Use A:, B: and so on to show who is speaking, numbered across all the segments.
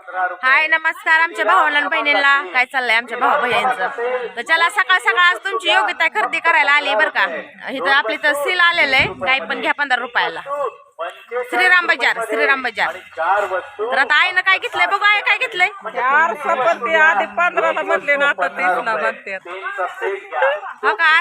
A: हाय नमस्कार आमच्या भावाला आणि बहिणीला. काय चाललंय आमच्या भाऊ बहिणींचं? तर चला सकाळ सकाळ आज तुमची योग्यता खरेदी करायला आली बरं का. इथं आपली तर सील आलेलं आहे. काही पण घ्या 15 रुपयाला. श्रीराम बाजार, श्रीराम बाजार. तर आता आईनं काय घेतलंय बघू. आई काय घेतलंय?
B: 4 सपत्ती आधी 15ला म्हटले ना, आता 30ला म्हणते.
A: हो का?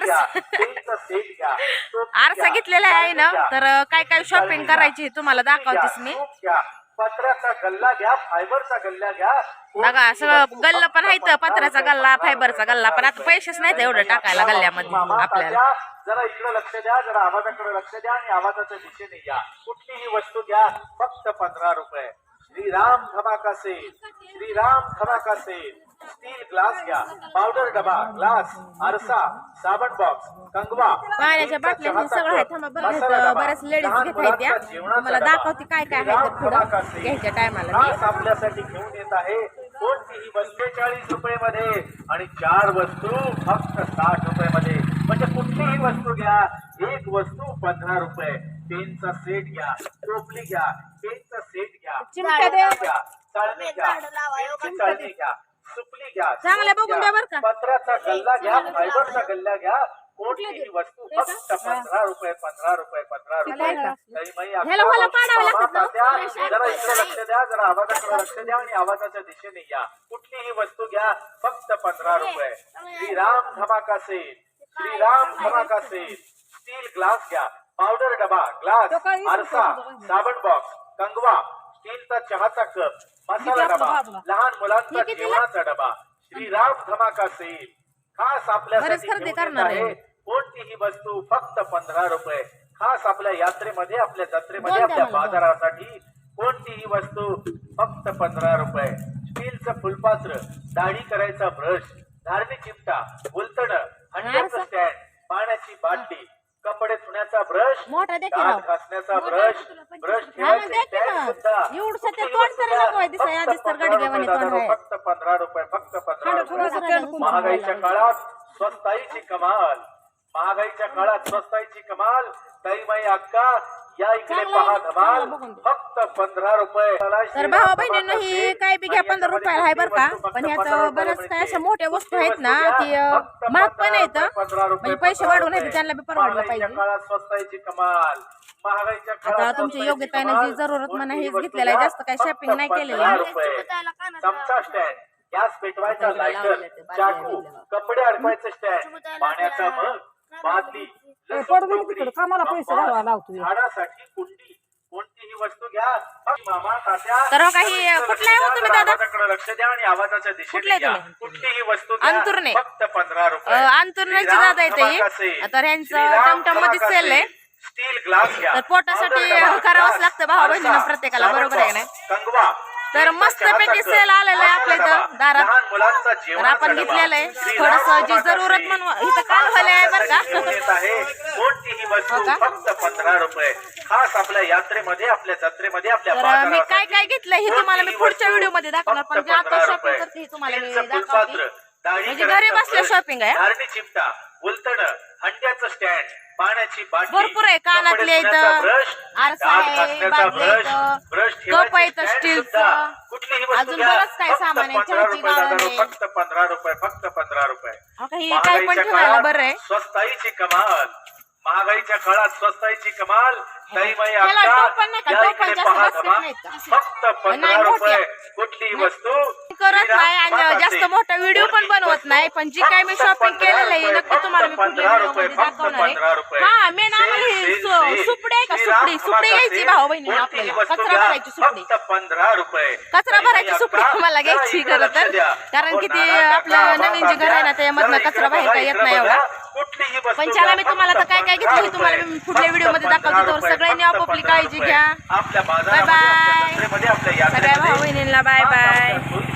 A: आरसा घेतलेला आहे आईनं. तर काय काय शॉपिंग करायची तुम्हाला दाखवतेस मी.
C: पत्र्याचा गल्ला घ्या, फायबरचा गल्ला घ्या.
A: बघा सगळं गल्ला पण आहे, पत्र्याचा गल्ला, फायबरचा गल्ला. पण आता पैसेच नाहीत एवढं टाकायला गल्ल्यामध्ये आपल्याला.
C: जरा इकडे लक्ष द्या, जरा आवाजाकडे लक्ष द्या आणि आवाजाच्या दिशेने या. कुठलीही वस्तू घ्या फक्त 15 रुपये. श्रीराम धमाका सेल, श्रीराम धमाका सेल. स्टील ग्लास घ्या, पावडर डबा, ग्लास, आरसा, साबण बॉक्स, कंगवा,
A: पाण्याच्या बाटल्या सगळं आहे. थांबा बरं, बऱ्याच लेडीज घेत आहेत त्या. तुम्हाला दाखवते काय काय आहे पुढं घ्यायच्या टायमाला.
C: आपल्यासाठी घेऊन येत आहे. कोणतीही 42 रुपये मध्ये आणि 4 वस्तू फक्त 60 रुपये मध्ये. म्हणजे कुठलीही वस्तू घ्या, एक वस्तू 15 रुपये. पेनचा सेट घ्या, टोपली घ्या, पेनचा सेट घ्या, चाळणी घ्या, चाळणी घ्या, सुपली घ्या,
A: चांगल्या बघून द्या बरं का.
C: पत्राचा गल्ला घ्या, फायबरचा गल्ला घ्या. कोणतीही वस्तू फक्त 15 रुपये, 15 रुपये, 15 रुपये. जरा इकडे लक्ष द्या, जरा आवाजाकडे लक्ष द्या आणि आवाजाच्या दिशेने या. कुठलीही वस्तू घ्या फक्त 15 रुपये. श्रीराम धमाका सेल, श्रीराम धमाका सेल. स्टील ग्लास घ्या, पावडर डबा, ग्लास, आरसा, साबण बॉक्स, कंगवा, स्टीलचा चहाचा कप, मसाला डबा, लहान मुलांचा जेवणाचा डबा. श्रीराम धमाका सेल खास आपल्यासाठी आहे. कोणतीही वस्तू फक्त 15 रुपये. खास आपल्या यात्रेमध्ये, आपल्या जत्रेमध्ये, आपल्या बाजारासाठी कोणतीही वस्तू फक्त 15 रुपये. स्टीलचं फुलपात्र, दाढी करायचा ब्रश, धार्मिक चिमटा, उलटण, हंड्याचं स्टँड, पाण्याची बाटली, कपडे धुण्याचा ब्रश, दात घासण्याचा ब्रश, ब्रश ठेवायचे स्टँड सुद्धा फक्त 15 रुपये, फक्त 15 रुपये. महागाईच्या काळात स्वस्ताईची कमाल, महागाईच्या काळात स्वस्ताईची कमाल. ताईमाई अक्का या इकडे पहा धमाल, फक्त 15 रुपये.
A: तर भावा बहिणींनो ही काय बी घ्या 15 रुपयाला आहे बरं का. पण ह्यात बऱ्याच काय अशा मोठ्या वस्तू आहेत ना, ती महाग पण आहेत. म्हणजे पैसे वाढवून आहेत, त्यांना बी परवडलं पाहिजे.
C: काळात स्वस्ताईची कमाल, महागाईच्या
A: आता तुमच्या योग्यतेने जी जरूरत म्हणा हेच घेतलेलं आहे. जास्त काही शॉपिंग नाही केलेलं आहे.
C: चमचा स्टँड, गॅस पेटवायचा लायटर, चाकू, कपडे अडकवायचं स्टँड, पाण्याचा मग, बादली,
B: कामाला पैसे भरावा लावतो.
C: झाडासाठी कुंडी. कोणतीही वस्तू घ्या. मामा तात्या
A: तर काही कुठला आहे हो तुम्ही दादा?
C: लक्ष द्या आणि आवाजाच्या दिशेने या. कुठलीही वस्तू
A: अंतुरणे,
C: फक्त 15 रुपये.
A: अंतुरण्याची दादा येते. आता ह्यांचं टमटम मध्ये सेल आहे.
C: स्टील ग्लास घ्या.
A: तर पोटासाठी करावंच लागतं भावा बहिणींना प्रत्येकाला, बरोबर आहे ना.
C: कंगवा.
A: तर मस्त पैकी सेल आलेला आहे आपल्या इथं दारात. तर आपण घेतलेलं आहे थोडस जी जरूरत म्हणून. इथं काय झालंय आहे बरं का.
C: कोणतीही वस्तू फक्त 15 रुपये. खास आपल्या यात्रेमध्ये, आपल्या जत्रेमध्ये, आपल्या
A: तर मी काय काय घेतलं हे तुम्हाला मी पुढच्या व्हिडिओ मध्ये दाखवणार. पण जे आता शॉपिंग करते हे तुम्हाला मी दाखवते. म्हणजे घरी बसल्या शॉपिंग आहे.
C: धारणी चिमटा, उलटण, हंड्याचं स्टँड, पाण्याची बाटली,
A: भरपूर आहे. कानातले इथं, आरसा आहे, बाटल्या इथं, कप आहे इथं स्टीलचं.
C: कुठलीही
A: अजून बरंच काय सामान आहे. चहाची गाळण
C: फक्त 15 रुपये, फक्त 15 रुपये.
A: हे काय पण ठेवायला बरं आहे.
C: स्वस्ताईची कमाल, महागाईच्या काळात स्वस्ताईची कमाल. ताईमाई
A: ह्याला
C: अक्का
A: टोपण नाही का,
C: या
A: टोपण
C: इकडे
A: जास्त
C: पहा
A: बसत
C: धमाल,
A: नाहीत का?
C: फक्त 15 रुपये. कुठलीही वस्तू
A: करत नाही आणि जास्त मोठा व्हिडिओ पण बनवत नाही. पण जी काय मी शॉपिंग केलेलं आहे नक्की तुम्हाला मी पुढल्या व्हिडिओ मध्ये दाखवणार आहे. हा मेन आम्हाला सुपडी आहे का, सुपडी सुपडी घ्यायची भाऊ बहिणी आपल्याला. कचरा भरायची सुपडी,
C: 15 रुपये.
A: कचरा भरायची सुपडी आम्हाला घ्यायची खरं तर. कारण की ते आपलं नवीन जे घर आहे ना त्यामधनं कचरा बाहेर काही येत नाही एवढा. पण चला मी तुम्हाला तर काय काय घेतलं हे तुम्हाला मी पुढल्या व्हिडिओ मध्ये दाखवते. तर सगळ्यांनी आपापली काळजी घ्या. बाय बाय सगळ्या भाऊ बहिणींना. Bye bye.